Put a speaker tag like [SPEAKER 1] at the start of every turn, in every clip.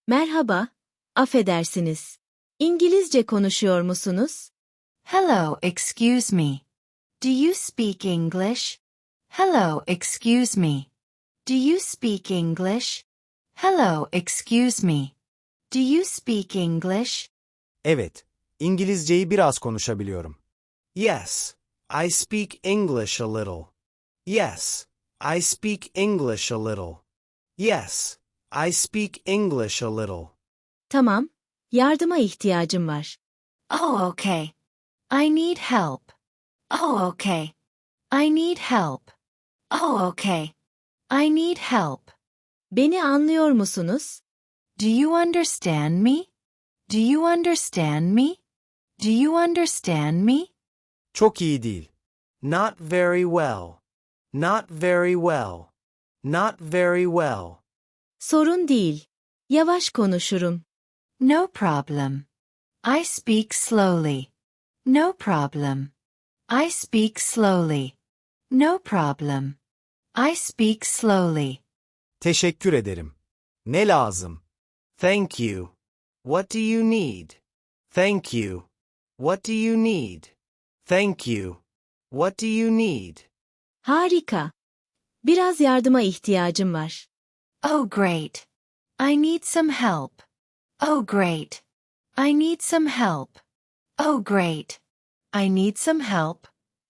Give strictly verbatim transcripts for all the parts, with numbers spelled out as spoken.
[SPEAKER 1] Merhaba, affedersiniz. İngilizce konuşuyor musunuz?
[SPEAKER 2] Hello, excuse me. Do you speak English? Hello, excuse me. Do you speak English? Hello, excuse me. Do you speak English?
[SPEAKER 3] Evet, İngilizceyi biraz konuşabiliyorum.
[SPEAKER 4] Yes, I speak English a little. Yes, I speak English a little. Yes, I speak English a little.
[SPEAKER 1] Tamam, yardıma ihtiyacım var.
[SPEAKER 2] Oh, okay. I need help. Oh, okay. I need help. Oh, okay. I need help.
[SPEAKER 1] Beni anlıyor musunuz?
[SPEAKER 2] Do you understand me? Do you understand me? Do you understand me?
[SPEAKER 3] Çok iyi değil.
[SPEAKER 4] Not very well. Not very well. Not very well.
[SPEAKER 1] Sorun değil. Yavaş konuşurum.
[SPEAKER 2] No problem. I speak slowly. No problem. I speak slowly. No problem. I speak slowly.
[SPEAKER 3] Teşekkür ederim. Ne lazım?
[SPEAKER 4] Thank you. What do you need? Thank you. What do you need? Thank you. What do you need?
[SPEAKER 1] Harika. Biraz yardıma ihtiyacım var.
[SPEAKER 2] Oh, great. I need some help. Oh, great. I need some help. Oh, great. I need some help.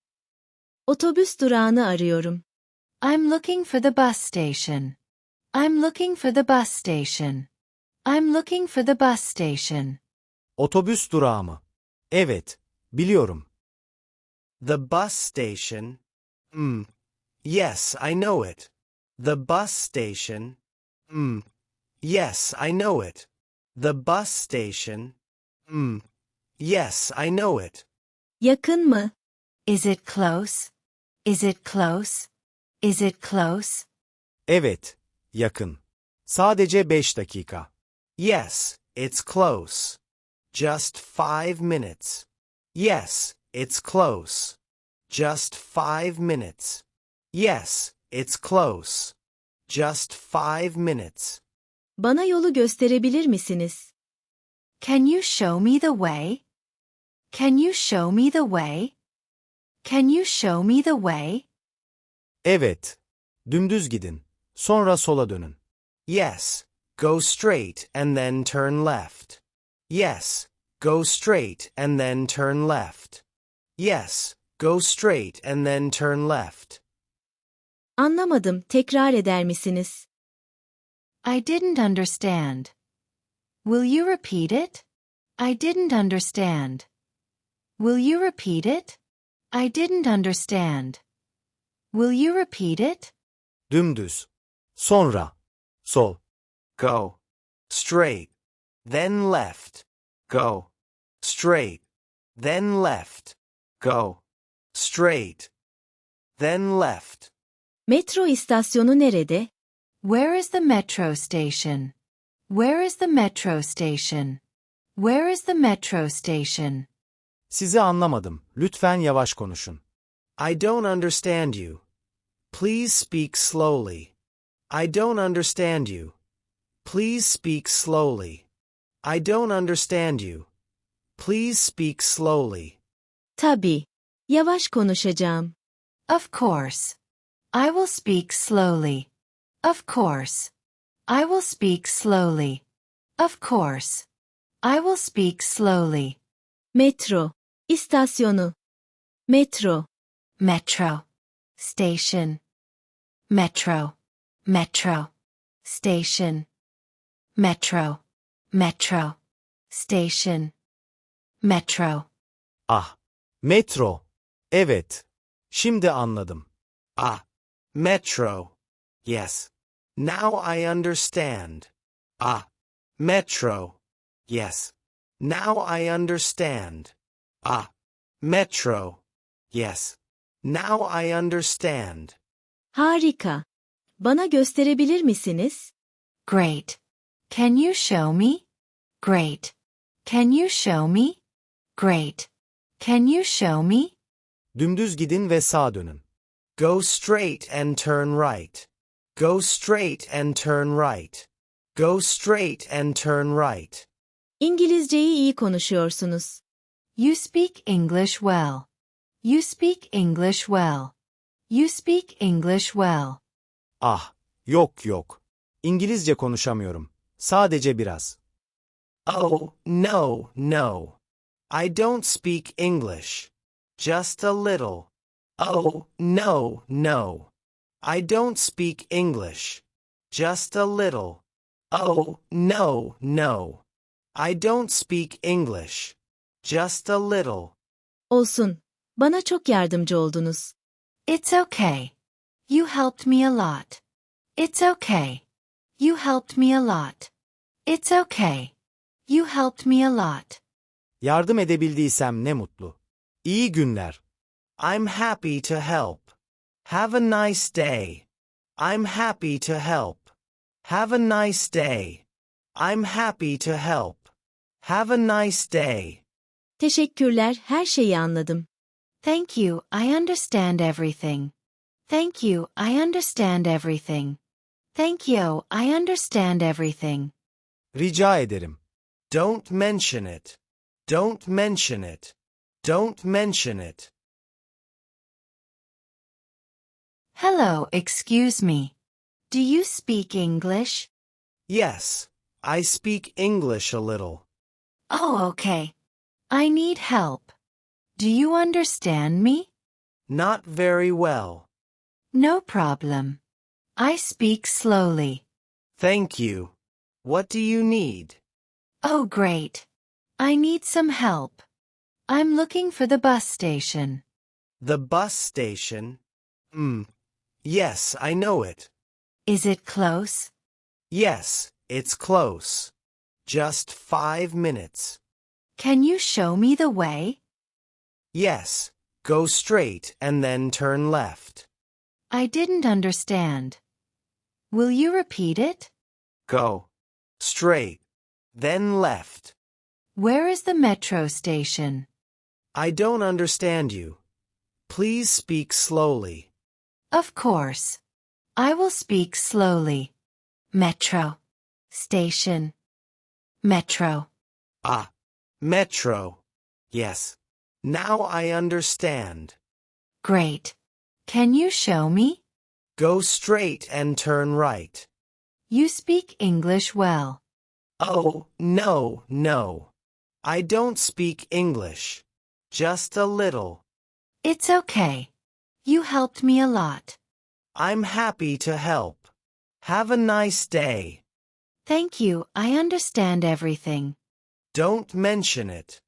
[SPEAKER 1] Otobüs durağını arıyorum.
[SPEAKER 2] I'm looking for the bus station. I'm looking for the bus station. I'm looking for the bus station.
[SPEAKER 3] Otobüs durağı mı? Evet, biliyorum.
[SPEAKER 4] The bus station. Hmm. Yes, I know it. The bus station. Hmm. Yes, I know it. The bus station. Hmm. Yes, I know it.
[SPEAKER 1] Yakın mı?
[SPEAKER 2] Is it close? Is it close? Is it close?
[SPEAKER 3] Evet, yakın. Sadece beş dakika.
[SPEAKER 4] Yes, it's close. Just five minutes. Yes, it's close. Just five minutes. Yes, it's close. Just five minutes.
[SPEAKER 1] Bana yolu gösterebilir misiniz?
[SPEAKER 2] Can you show me the way? Can you show me the way? Can you show me the way?
[SPEAKER 3] Evet. Dümdüz gidin. Sonra sola dönün.
[SPEAKER 4] Yes, go straight and then turn left. Yes, go straight and then turn left. Yes, go straight and then turn left.
[SPEAKER 1] Anlamadım, tekrar eder misiniz?
[SPEAKER 2] I didn't understand. Will you repeat it? I didn't understand. Will you repeat it? I didn't understand. Will you repeat it?
[SPEAKER 3] Dümdüz. Sonra. Sol.
[SPEAKER 4] Go straight, then left. Go straight, then left. Go straight, then left.
[SPEAKER 1] Metro istasyonu nerede?
[SPEAKER 2] Where is the metro station? Where is the metro station? Where is the metro station?
[SPEAKER 3] Sizi anlamadım. Lütfen yavaş konuşun.
[SPEAKER 4] I don't understand you. Please speak slowly. I don't understand you. Please speak slowly. I don't understand you. Please speak slowly.
[SPEAKER 1] Tabii. Yavaş konuşacağım.
[SPEAKER 2] Of course. I will speak slowly. Of course. I will speak slowly. Of course. I will speak slowly.
[SPEAKER 1] Metro. İstasyonu. Metro.
[SPEAKER 2] Metro. Station. Metro. Metro. Station. Metro. Metro. Station. Metro.
[SPEAKER 3] Ah. Metro. Evet. Şimdi anladım.
[SPEAKER 4] Ah. Metro. Yes. Now I understand. Ah. Metro. Yes. Now I understand. Ah. Metro. Yes. Now I understand.
[SPEAKER 1] Harika. Bana gösterebilir misiniz?
[SPEAKER 2] Great. Can you show me? Great. Can you show me? Great. Can you show me?
[SPEAKER 3] Dümdüz gidin ve sağa dönün.
[SPEAKER 4] Go straight and turn right. Go straight and turn right. Go straight and turn right.
[SPEAKER 1] İngilizceyi iyi konuşuyorsunuz.
[SPEAKER 2] You speak English well. You speak English well. You speak English well.
[SPEAKER 3] Ah, yok yok. İngilizce konuşamıyorum. Sadece biraz.
[SPEAKER 4] Oh, no, no. I don't speak English. Just a little. Oh, no, no. I don't speak English. Just a little. Oh, no, no. I don't speak English. Just a little.
[SPEAKER 1] Olsun. Bana çok yardımcı oldunuz.
[SPEAKER 2] It's okay. You helped me a lot. It's okay. You helped me a lot. It's okay. You helped me a lot.
[SPEAKER 3] Yardım edebildiysem ne mutlu. İyi günler.
[SPEAKER 4] I'm happy to help. Have a nice day. I'm happy to help. Have a nice day. I'm happy to help. Have a nice day.
[SPEAKER 1] Teşekkürler, her şeyi anladım.
[SPEAKER 2] Thank you, I understand everything. Thank you, I understand everything. Thank you, I understand everything.
[SPEAKER 3] Rica ederim.
[SPEAKER 4] Don't mention it. Don't mention it. Don't mention it.
[SPEAKER 2] Hello, excuse me. Do you speak English?
[SPEAKER 4] Yes, I speak English a little.
[SPEAKER 2] Oh, okay. I need help. Do you understand me?
[SPEAKER 4] Not very well.
[SPEAKER 2] No problem. I speak slowly.
[SPEAKER 4] Thank you. What do you need?
[SPEAKER 2] Oh, great. I need some help. I'm looking for the bus station.
[SPEAKER 4] The bus station? Hmm. Yes, I know it.
[SPEAKER 2] Is it close?
[SPEAKER 4] Yes, it's close. Just five minutes.
[SPEAKER 2] Can you show me the way?
[SPEAKER 4] Yes, go straight and then turn left.
[SPEAKER 2] I didn't understand. Will you repeat it?
[SPEAKER 4] Go straight, then left.
[SPEAKER 2] Where is the metro station?
[SPEAKER 4] I don't understand you. Please speak slowly.
[SPEAKER 2] Of course. I will speak slowly. Metro. Station. Metro.
[SPEAKER 4] Ah, metro. Yes. Now I understand.
[SPEAKER 2] Great. Can you show me?
[SPEAKER 4] Go straight and turn right.
[SPEAKER 2] You speak English well.
[SPEAKER 4] Oh, no, no. I don't speak English. Just a little.
[SPEAKER 2] It's okay. You helped me a lot.
[SPEAKER 4] I'm happy to help. Have a nice day.
[SPEAKER 2] Thank you, I understand everything.
[SPEAKER 4] Don't mention it.